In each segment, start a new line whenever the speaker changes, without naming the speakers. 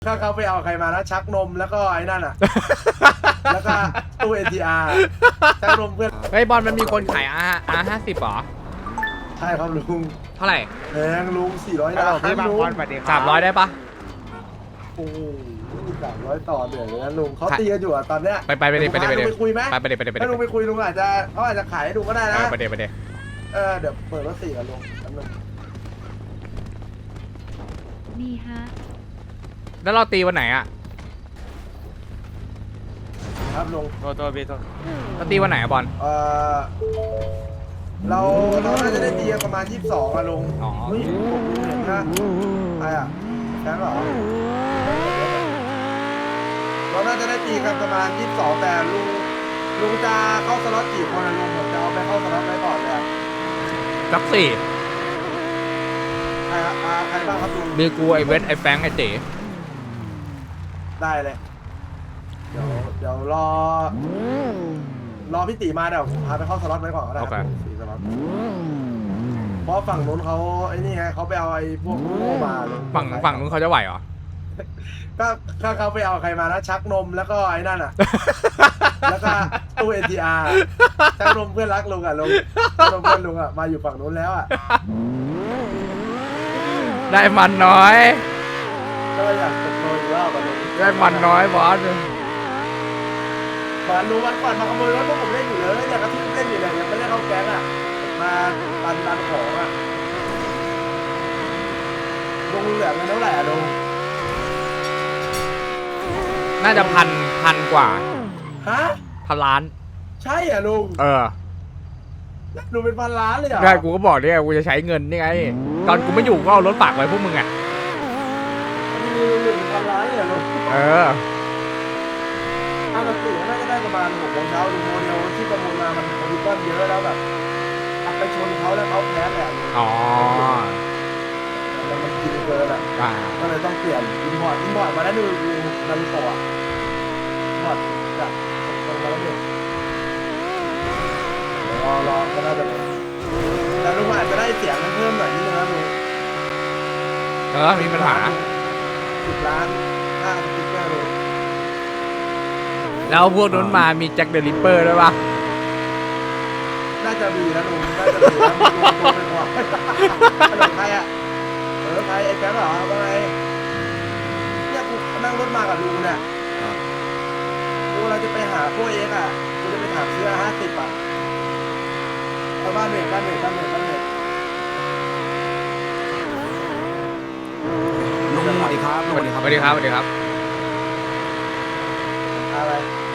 ถ้าเขาไปเอาใครมานะชักนมแล้วก็ไอ้นั่นอ่ะ แล้วก็ตู้ ATR ชักนมเพื่อน
เฮ้ยบอลมันมีคนขายR50หรอ
ใช่ครับลุง
เท่าไหร่
แพงลุง400ล้าน
พี่บาง
ลุ
บ
ง
อลสวัสดีครับ
300ได้ปะ
โอ้โห300ต่อเดือนเลยนะลุงเขาตีกันอยู่อ่ะตอนเนี้ย
ไปเดี๋ยว
ลุงไปคุยไหม
ไปเดี๋ยว
ถ้าลุงไปคุยลุงอาจจะเขาอาจจะขายให้ลุงก็ได้นะ
ไปเดี๋ยว
เดี๋ยวเปิดรถ4กันลุงแป๊บนึง
ดีฮะ
แล้วเราตีวันไหนอ่ะ
ครับลุง
โทษพี่โทษ
เราตีวันไหนอะบอล
เราน่าจะได้ตีกันประมาณ22อะลุง
อ๋อ
เฮ้ยผมเห็นนะใครอ่ะแบงค์เหรอเราน่าจะได้ตีกันประมาณ22แต่ลุงจะเข้าสล็อตกี่คนอะลุงผมจะเอาไปเข้าสล็อตไว้ก่อนเลยอะ
สักสี่
ใครครับใครบ้างครับลุง
มีกูไอเวทไอแฟงไอเต๋
ได้เลยเดี๋ยวรอพี่ตีมาเดี๋ยวผมพาไปเข้าสล็อตไว้ก่อนก็ได้ครับ4สล็อตเพราะฝั่งนู้นเขาไอ้นี่ไงเขาไปเอาไอ้พวกโง่มาลุง
ฝั่งนู้นเขาจะไหวเหรอ
ก็ถ้าเขาไปเอาใครมานะชักนมแล้วก็ไอ้นั่นอ่ะ แล้วก็ตู้ ATR ชักนมเพื่อนรักลุงอ่ะลุงชักนมเพื่อนลุงอ่ะมาอยู่ฝั่งนู้นแล้วอ่ะ
ได้มันน้อย
ก็เลยอยากตกโดนอีกรอบอ่ะลุง
ได้มันน้อยบอส
มาลุงวันก่อนมาขโมยรถพวกผมเล่นอยู่เลยอยากกระทุ่มเล่นอยู่เลยยังไม่ได้เข้าแก๊งอ่ะมาดันของอ่ะลุงเหลือเงินเท่าไหร่อ่ะลุง
น่าจะพันกว่า
ฮะ
1,000 ล้าน
ใช่อ่ะลุง
ลุ
งเป็นพันล้านเลยเหรอ
ได้กูก็บอกเนี่ยกูจะใช้เงินนี่ไง ตอนกูไม่อยู่ก็เอารถฝากไว้พวกมึงอ่ะ
ลุงเป็นพันล้านเลยเหรอลุง ปกติน่าจะได้ประมาณ6 โมงเช้าดูโมเดลที่ประมูลมามันคอมพิวเตอร์เยอะแล้วแบบขับไปชนเขาแล้วเขาแพ้แหละ
อ๋อ
แต่มันกินเกินอ่ะก็เลยต้องเปลี่ยนอินพอร์ตมาแล้วดูนาริโตะอินพอร์ตจากตรงมาแล้วเนี่ยรอก็น่าจะเป็นแต่ลุงอาจจะได้เสียงเพิ่มหน่อยนิดนึงนะลุง
มีปัญหา
10 ล้านค่าสติ๊กเกอร์ลุง
แล้วพวกนู้นมามีแจ็คเดอะริปเปอร์ด้วยปะ
น่าจะมีนะลุงน่าจะมีนะลุงเป็นหัวใครอ่ะใครไอ้แป๊บเหรอว่าไงเนี่ยกูนั่งรถมากับลุงเนี่ยกูเราจะไปหาพวกเอ็กอ่ะกูจะไปถามซื้อ50อ่ะเอาบ้านเน็ต
ลุงสวัสดีครับ
สวัสดีครับ
อะไร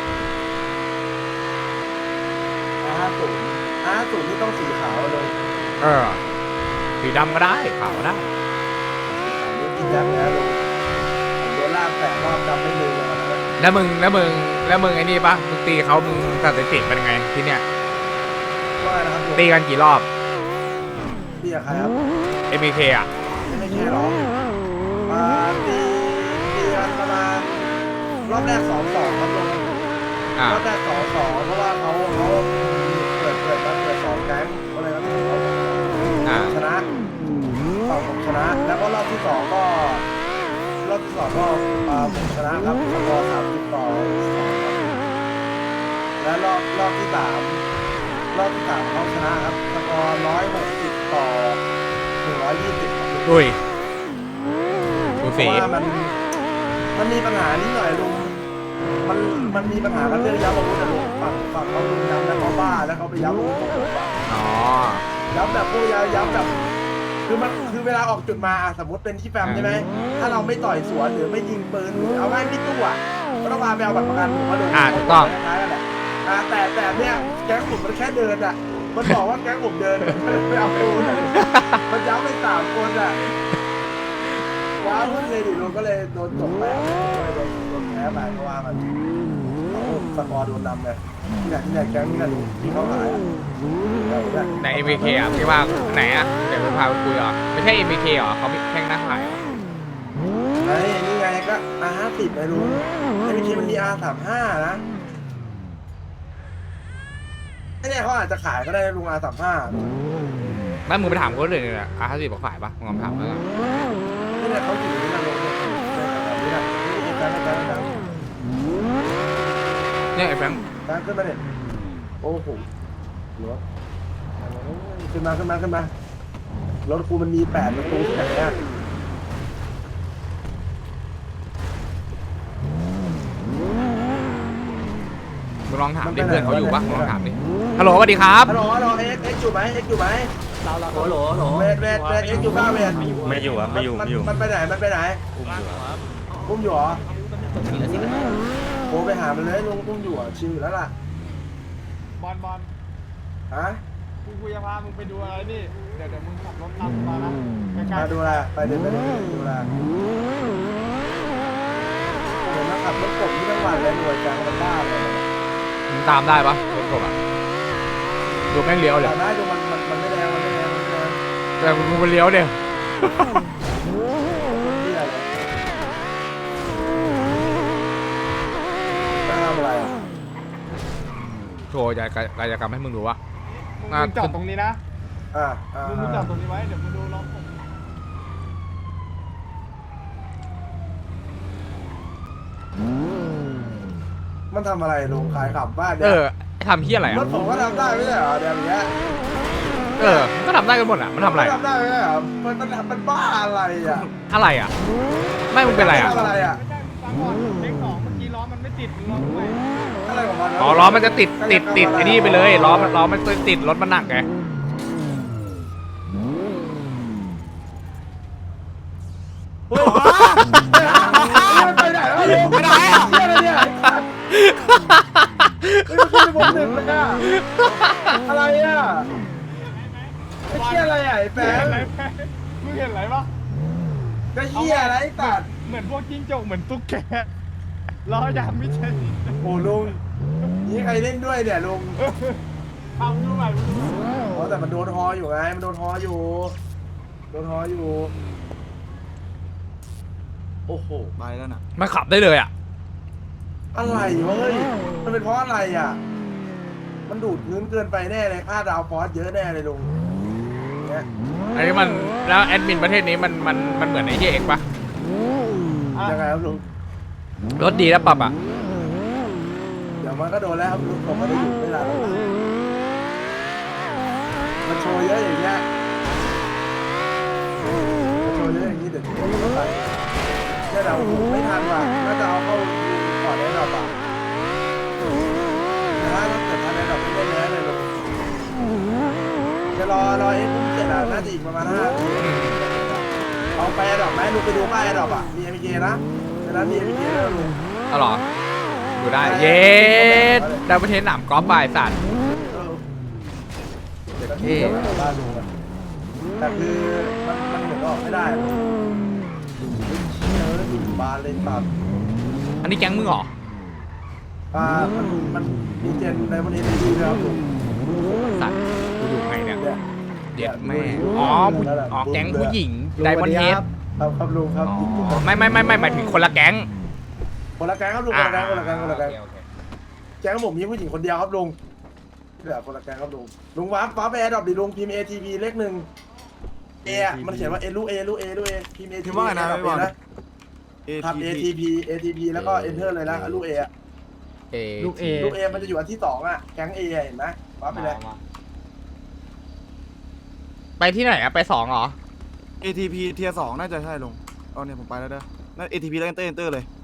50ที่ต้องสีขาวเลย
สีดำก็ได้ขาวก็ได้
อันนี้กินยักษ์แล้วลุงโดนลากแต่รอบดำไม่ลืมเลยนะ
แล้วมึงไอ้นี่ปะมึงตีเขามึงสถิติเป็นไงที่เนี้ย
ว่านะครับลุง
ตีกันกี่รอบ
ตีกับใครครับ
MK อ่ะ
ไม่ใช่หรอมาตีกันประมาณรอบแรก 2-2 ครับลุงรอบแรก 2-2 เพราะว่าเขาเปิด2 แก๊งก็เลยเขาชนะฝั่งผมชนะ แล้วก็รอบที่ 2 ก็ผมชนะครับสกอร์30 ต่อ 2 ครับและรอบที่ 3เขาชนะครับสกอร์160 ต่อ 120 ครับ
ดุยดู
เพ
สี
ราะว่ามันมีปัญหานิดหน่อยลุงมันมีปัญหากันเรื่องย้ำอาวุธนะลุงฝั่งเขาลุงย้ำแล้วเขาบ้าแล้วเขาไปย้ำอาวุธของผมอะ
อ๋อ
ย้ำแบบพวกย้ำแบบคือเวลาออกจุดมาสมมติเป็นที่แฟมใช่ไหมถ้าเราไม่ต่อยสวนหรือไม่ยิงปืนหรือเอาง่ายพี่ตู้อ่ะก็ต้องมาไปเอาบัตรประกันผมมาดู
ถูกต้อง
คล้ายๆกันแหละแต่เนี่ยแก๊งผมมันแค่เดินอ่ะมันบอกว่าแก๊งผมเดินไปเอาปืนมันย้ำไป3 คนอ่ะว้าวพูดเลยดิลุงก็เลยโดนจบไปโดนแพ้ไปเพราะว่ามันสกอร์โดนนำไงเนี่ยแก๊งนี่นะลุงที่เขาหายอ่ะ
ใน MK อ่ะพี่ว่าไหนอ่ะเดี๋ยวไปพาไปคุยอ่ะไม่ใช่ MK เหรอเขาแข่งหน้าขายเหรอ
นี่ไงก็ R50 ไงลุงไอ้วิธีมันมี R35 นะไอ้เนี่ยเขาอาจจะขายก็ได้ลุง R35
แม่มึงไปถามคนอื่นเลยอ่ะ50บอกขายปะมึงลองถามแล้วกัน
นี่เนี่ยเขาอยู่ในนั้นลุงเนี่ยแบบนี้นะ
เนี่ยไอ้แฟงค์
แบงค์ขึ้นมาเนี่ยโอ้โหรถขึ้นมารถกูมันมี8ประตูที่ไหนอ่ะ
มึงลองถามดิเพื่อนเขาอยู่ปะมึงลองถามดิฮัลโหลสวัสดีครับ
ฮัลโหลเอ็กอยู่ไหมเอ็กอยู่ไหม
โหล
เวทเอ็กอยู่บ้าเวท
ไม่อยู่ครับไม่อยู่ไม่อยู่
มันไปไหนอุ้มอยู่เหรอโอ้ไปหามันเลยลุงอุ้มอยู่อ่ะชิวอยู่แล้วล่ะ
บอล
ฮะ
กูจะพามึงไปดูอะไรนี่ เดี๋ยวมึงขับรถตามมานะใกล้
มาดูแลไปเดินดูแลเห็นมาขับรถกบที่ทั้งวันเลยหน่วยจังมันบ้าเลย
มึงตามได้ปะรถกบอ่ะดูแม่งเลี้ยวเลย
ตามได้ดูมันไม่แรง
แต่มึงไปเลี้ยวเดียว
ที่อะไรทำอะไรอ่ะ
โชว์กายกรรมให้มึงดูวะ
ๆมึงจอดตรงนี้นะ มึงจอดตรงนี้ไว้ เดี๋ยวมึงดูล้อผม
มันทำอะไรลุงขายขับบ้าน
เอ
เนี่ย
อทำเฮี้ยอะไร
ร
อ่ะ
ถผมก็ทำได้ไม่ใช่เหรอเดี๋ยวอย่างเงี้ย
เออก็ทำได้กันหมดอ่ะมันทำอะไร
ทำได้ไม่ใช่เหรอมันบ้าอะไรอ่ะ
อะไรอ่ะไม่มึงเป็นอะไรอ่ะ
ทำอะไรอ่ะ
ไม่ใช่มึงฟังก่อนเล็กสองเมื่อกี้ล้อมันไม่ติดมึงลองดูใหม่
อะไรของมัน
อ๋อล้อมันจะติดไอ้นี่ไปเลยล้อมันติดรถมันหนักไง
เฮ้ยไปไหนแล้วลุงไปไหนอ่ะเชี่ยอะไรเนี่ยเฮ้ยมันขึ้นไปบนตึกเลยอ่ะอะไรอ่ะไอ้เชี่ยอะไรอ่ะไอ้แฟ
มึง
น
เห็นอะไรปะ
ก็เชี่ยอะไรตัด
เหมือนพวกจิ้งจกเหมือนตุ๊กแกล้อยางไม่ใช่
โอ้ลุงนี่ใครเล่นด้วยเนี่ยลุง
ทำดูใหม่มึงดูใหม่
อ๋อแต่มันโดนฮออยู่ไงมันโดนฮออยู่โอ้โห
ไปแล้วน่ะ
มันขับได้เลยอ่ะ
อะไรวะเฮ้ยมันเป็นเพราะอะไรอ่ะมันดูดเงินเกินไปแน่เลยค่าดาวฟอสเยอะแน่เลยลุงเนี่ย
อันนี้มันแล้วแอดมินประเทศนี้มันเหมือนไอ้เหี้ยเอกปะ
ยังไงครับลุง
รถดีแล้วปรับอ่ะ
เดี๋ยวมันก็โดนแล้วครับลุงผมไม่ได้หยุดไม่ได้หรอกมันโชว์เยอะอย่างเงี้ยมันโชว์เยอะอย่างนี้เดี๋ยวผมก็ไปแค่เราไม่ทันว่ะน่าจะเอาเข้าก่อนได้หรอเปล่าแต่ถ้าเกิดทันได้หรอไม่ได้แล้วเลยลุงจะรอเอ็กซ์พุ่งเสร็จอ่ะน่าจะอีกประมาณ5 นาทีเอาไปดอกไหมลุงไปดูป้ายดอกอ่ะมี MK นะในนั้นมี MK แล้วลุง
อ๋อเหรอดูได้เย็ดดาวประเทศหนามกอล์ฟบายสัตว์
เด็กที่บ้านลุงอะแต่คือมันเหมือนออกไม่ได้อยู่บานเลยตัด
อันนี้แก๊งมึงเหรอ
มันมีเจนในวันนี้ดีนะครับลุง
สัตว์กูอยู่ไงเนี่ย
เนี่ย
เด็ดแม่อ๋อแก๊งผู้หญิงไดมอนเฮด
ครับลุงครับ
อ๋อไม่หมายถึงคนละแก๊ง
คนละแก๊งครับลุงคนละแก๊งคนละแก๊งคนละแก๊ง
โอเค
แก๊งผมมีผู้หญิงคนเดียวครับลุงเหลือคนละแก๊งครับลุงวาร์ปไปแอร์ดรอปดิลุงพิมพ์ ATP เลข1เอมันเขียนว่าลูกเอพิมพ์ ATP ครับ ATP แล้วก็ Enter เลยนะลูก A อะ
ลูกเอ
ลูก A มันจะอยู่อันที่2อ่ะแก๊ง A เห็นไหมวาร์ปไปเลย
ไปที่ไหนอะไป2เหรอ
ATP เทียร์2น่าจะใช่ลงเอาเนี่ยผมไปแล้วเด้อนั่น ATP แล้ว enter เลย